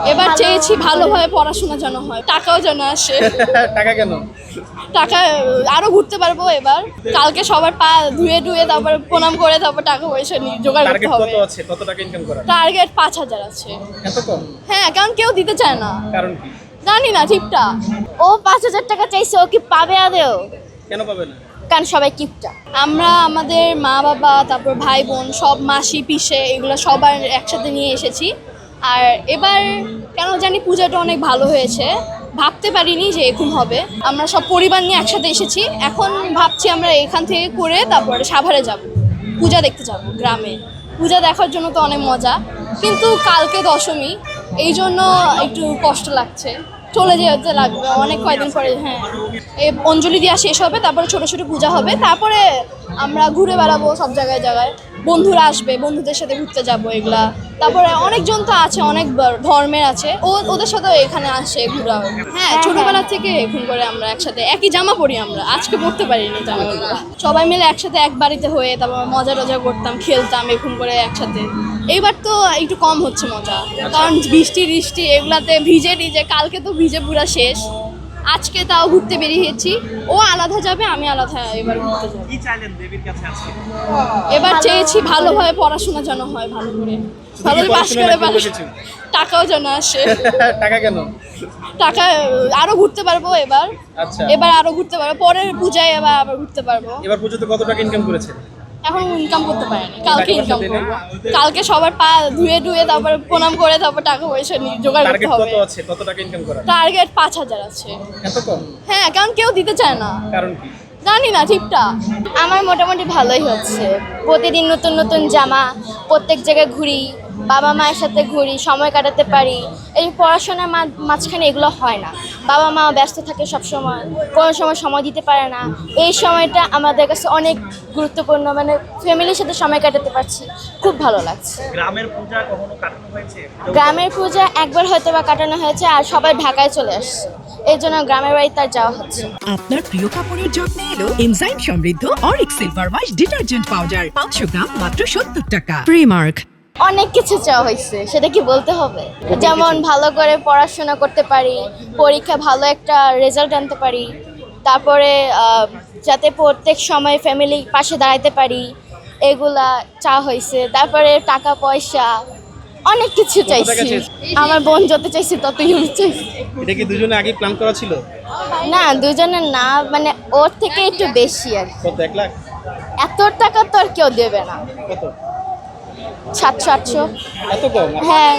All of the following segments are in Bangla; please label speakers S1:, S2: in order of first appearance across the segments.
S1: এবার চেয়েছি ভালোভাবে পড়াশোনা যেন হয়, টাকাও যেন আসে।
S2: টাকা কেন?
S1: টাকা আরো ঘুরতে পারবো এবার। কালকে সবার পা ধুয়ে ধুয়ে তারপর প্রণাম করে তারপর টাকা পয়সা নিয়ে জোগাড় করতে
S2: টার্গেট
S1: হবে।
S2: কত আছে? কত টাকা ইনকাম করার?
S1: টার্গেট 5,000 আছে।
S2: এত কম?
S1: হ্যাঁ, কারণ কেউ দিতে চায় না,
S2: কারণ কি?
S1: জানি না ঠিকটা।
S3: ও 5,000 টাকা চাইছে, ও কি পাবে আদেও?
S2: কেন পাবে না?
S3: কারণ সবাই কিপটা।
S1: আমরা আমাদের মা বাবা তারপর ভাই বোন সব মাসি পিসে এগুলো সবার একসাথে নিয়ে এসেছি। আর এবার কেন জানি পূজাটা অনেক ভালো হয়েছে, ভাবতে পারিনি যে এরকম হবে। আমরা সব পরিবার নিয়ে একসাথে এসেছি, এখন ভাবছি আমরা এখান থেকে করে তারপরে সাভারে যাব, পূজা দেখতে যাব গ্রামে। পূজা দেখার জন্য তো অনেক মজা, কিন্তু কালকে দশমী, এই জন্য একটু কষ্ট লাগছে, চলে যেতে লাগবে অনেক কয়েকদিন পরে। হ্যাঁ, এই অঞ্জলি দেওয়া শেষ হবে, তারপরে ছোট ছোট পূজা হবে, তারপরে আমরা ঘুরে বেড়াবো সব জায়গায় জায়গায়। বন্ধুরা আসবে, বন্ধুদের সাথে ঘুরতে যাবো এগুলা। তারপরে অনেকজন তো আছে, অনেক ধর্মের আছে, ওদের সাথেও এখানে আসে ঘুরা। হ্যাঁ, ছোটবেলা থেকে এখন করে আমরা একসাথে একই জামা পরি, আমরা আজকে পরতে পারিনি জামাগুলো। সবাই মিলে একসাথে এক বাড়িতে হয়ে তারপর মজা টজা করতাম, খেলতাম এখন করে একসাথে। এইবার তো একটু কম হচ্ছে মজা, কারণ বৃষ্টি টিষ্টি এগুলাতে ভিজে টিজে, কালকে তো ভিজে পুরা শেষ। আজকে তাও ঘুরতে বেরিয়েছি, ও আলাদা যাবে, আমি আলাদা এবার ঘুরতে যাবো।
S2: কি চাইলেন দেবীর কাছে আজকে?
S1: এবার চেয়েছি ভালোভাবে পড়াশোনা যেন হয়, ভালো করে ভালো পাস করে টাকাও যেন আসে।
S2: টাকা কেন?
S1: টাকা আরো ঘুরতে পারবো এবার।
S2: আচ্ছা,
S1: এবার আরো ঘুরতে পারবো, পরের পূজায় আবার ঘুরতে পারবো।
S2: এবার পর্যন্ত কত টাকা ইনকাম করেছেন?
S1: এখন ইনকাম করতে পারিনি, কালকে ইনকাম করবো। কালকে সবার পা ধুয়ে ধুয়ে তারপর প্রণাম করে তারপর টাকা পয়সা নিয়ে জোগাড় করতে
S2: টার্গেট
S1: হবে।
S2: কত আছে? কত টাকা ইনকাম করার?
S1: টার্গেট 5,000 আছে।
S2: এত কম?
S1: হ্যাঁ, কারণ কেউ দিতে চায় না,
S2: কারণ কি?
S1: জানি না ঠিকটা।
S3: আমার মোটামুটি ভালোই হচ্ছে, প্রতিদিন নতুন নতুন জামা, প্রত্যেক জায়গায় ঘুরি, বাবা মায়ের সাথে ঘুরি, সময় কাটাতে পারি। এই পড়াশোনার মাঝখানে এগুলো হয় না, বাবা মা ব্যস্ত থাকে সব সময়, কোনো সময় দিতে পারে না। এই সময়টা আমাদের কাছে অনেক গুরুত্বপূর্ণ, মানে ফ্যামিলির সাথে সময় কাটাতে পারছি, খুব ভালো লাগছে।
S2: গ্রামের পূজা কখনো কাটানো হয়েছে?
S3: গ্রামের পূজা একবার হয়তো বা কাটানো হয়েছে, আর সবাই ঢাকায় চলে আসছে, এই জন্য গ্রামের বাড়িতে আর যাওয়া হচ্ছে।
S4: আপনার প্রিয় কাপড়ের যত্নে এলো এনজাইম সমৃদ্ধ অরিক silver wash detergent powder, 500 gram মাত্র 70 টাকা। প্রিমার্ক।
S3: অনেক কিছু চাওয়া হয়েছে, সেটা কি বলতে হবে? যেমন ভালো করে পড়াশোনা করতে পারি, পরীক্ষা ভালো একটা রেজাল্ট আনতে পারি, তারপরে যাতে প্রত্যেক সময় ফ্যামিলির পাশে দাঁড়াতে পারি, এগুলা চাওয়া হয়েছে। তারপরে টাকা পয়সা, অনেক কিছু চাইছি। আমার বোন যত চাইছি ততই আমি চাইছি।
S2: এটা কি দুজনে আগে প্ল্যান করা ছিল?
S3: না, দুজনের না, মানে ওর থেকে একটু বেশি আর কি।
S2: কত? 1 লাখ?
S3: এত টাকা তো আর কেউ দেবে না।
S2: কত?
S3: 700-800।
S2: এত কম?
S3: হ্যাঁ,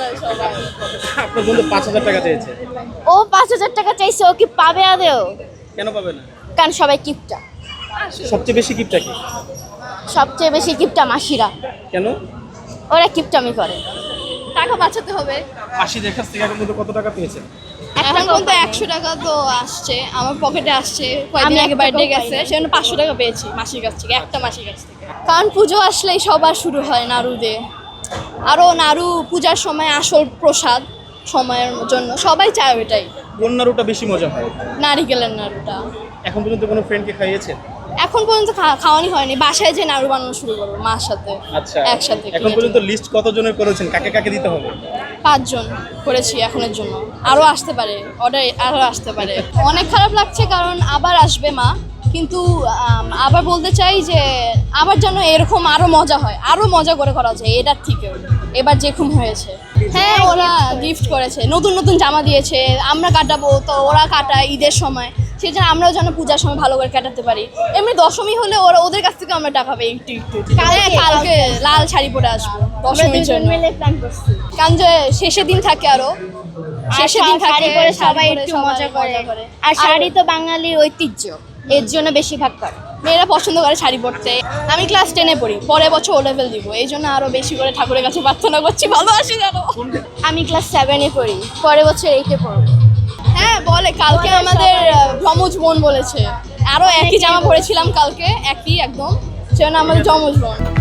S2: আপনার বন্ধু 5,000 টাকা চেয়েছে।
S3: ও 5,000 টাকা চাইছে, ও কি পাবে আদেও?
S2: কেন পাবে না?
S3: কারণ সবাই কিপটা।
S2: সবচেয়ে বেশি গিফটটা কি?
S3: সবচেয়ে বেশি কিপটা মাসিরা,
S2: কেন?
S3: ওরা কিপটামি করে।
S1: টাকা বাঁচাতে হবে।
S2: মাসিদের কাছ থেকে এখন পর্যন্ত কত টাকা পেয়েছেন?
S1: এখন পর্যন্ত 100 টাকা তো আসছে, আমার পকেটে আসছে। কয়েকদিন
S3: আমি
S1: আগে
S3: 1
S1: বার্থডে
S3: টাকাও
S1: গেছে,
S3: পাইনি।
S1: সেজন্য 500 টাকা পেয়েছি মাসির কাছ থেকে, একটা মাসির কাছ থেকে। কারণ পুজো আসলেই সবার শুরু হয় নাড়ু দিয়ে। আরও নাড়ু পূজার সময় আসল প্রসাদ, সময়ের জন্য সবাই চায় ওইটাই।
S2: কোন নাড়ুটা বেশি মজা হয়?
S1: নারিকেলের নাড়ুটা।
S2: এখন পর্যন্ত কোনো ফ্রেন্ডকে খাইয়েছেন?
S1: এখন পর্যন্ত খাওয়ানি হয়নি, বাসায় যে নাড়ু বানানো শুরু করবো মার সাথে।
S2: আচ্ছা,
S1: একসাথে
S2: এখন পর্যন্ত লিস্ট কতজনের করেছেন? কাকে কাকে দিতে হবে?
S1: 5 জন করেছি এখনের জন্য, আরও আসতে পারে, অর্ডার আরও আসতে পারে। অনেক খারাপ লাগছে কারণ আবার আসবে মা, কিন্তু আবার বলতে চাই যে আবার যেন এরকম আরও মজা হয়, আরও মজা করে করা যায় এটার থেকেও। এবার যেরকম হয়েছে, হ্যাঁ ওরা গিফট করেছে, নতুন নতুন জামা দিয়েছে, আমরা কাটাবো তো ওরা কাটায় ঈদের সময়, সেই জন্য আমরাও যেন পূজার সময় ভালো করে কাটাতে পারি। এমনি দশমী হলে ওদের কাছ থেকে আমরা টাকা পাই একটু একটু। কালকে লাল শাড়ি পরে আসবো দশমীর জন্য, কারণ যে শেষের দিন থাকে, আরো শেষের দিন থাকে,
S3: শাড়ি পরে সবাই
S1: শাড়ি
S3: একটু
S1: পরে
S3: মজা করে।
S1: করে।
S3: আর শাড়ি তো বাঙালির ঐতিহ্য, এর জন্য বেশিরভাগ করে।
S1: মেয়েরা পছন্দ করে শাড়ি পরতে। আমি ক্লাস 10-এ পড়ি, পরের বছর ও লেভেল দিব, এই জন্য আরো বেশি করে ঠাকুরের কাছে প্রার্থনা করছি ভালো আসি জানো।
S3: আমি ক্লাস 7-এ পড়ি, পরের বছর 8-এ পড়বো।
S1: হ্যাঁ বলে, কালকে আমাদের যমজ বোন বলেছে, আরো একই জামা পরেছিলাম কালকে, একই একদম, সেজন্য আমাদের যমজ বোন।